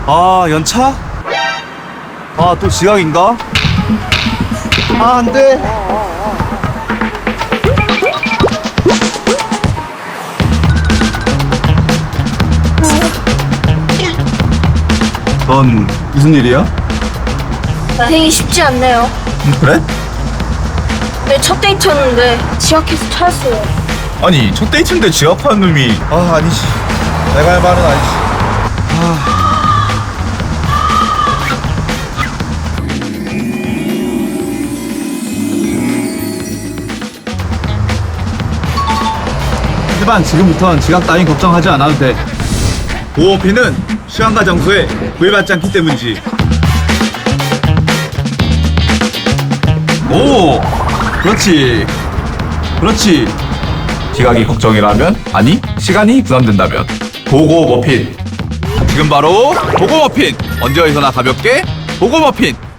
아, 연차? 아, 또 지각인가? 아, 안 돼. 넌 무슨 일이야? 되게 쉽지 않네요. 그래? 내 첫 데이트였는데 지각해서 차였어요. 아니, 첫 데이트인데 지각하는 놈이. 아, 아니지. 내가 할 말은 아니지. 하지만 지금부터는 지각 따윈 걱정하지 않아도 돼. 보호피는 시간과 장소에 구애받지 않기 때문이지. 오! 그렇지. 그렇지. 지각이 걱정이라면? 아니, 시간이 부담된다면. 보고 머핀. 지금 바로 보고 머핀. 언제 어디서나 가볍게 보고 머핀.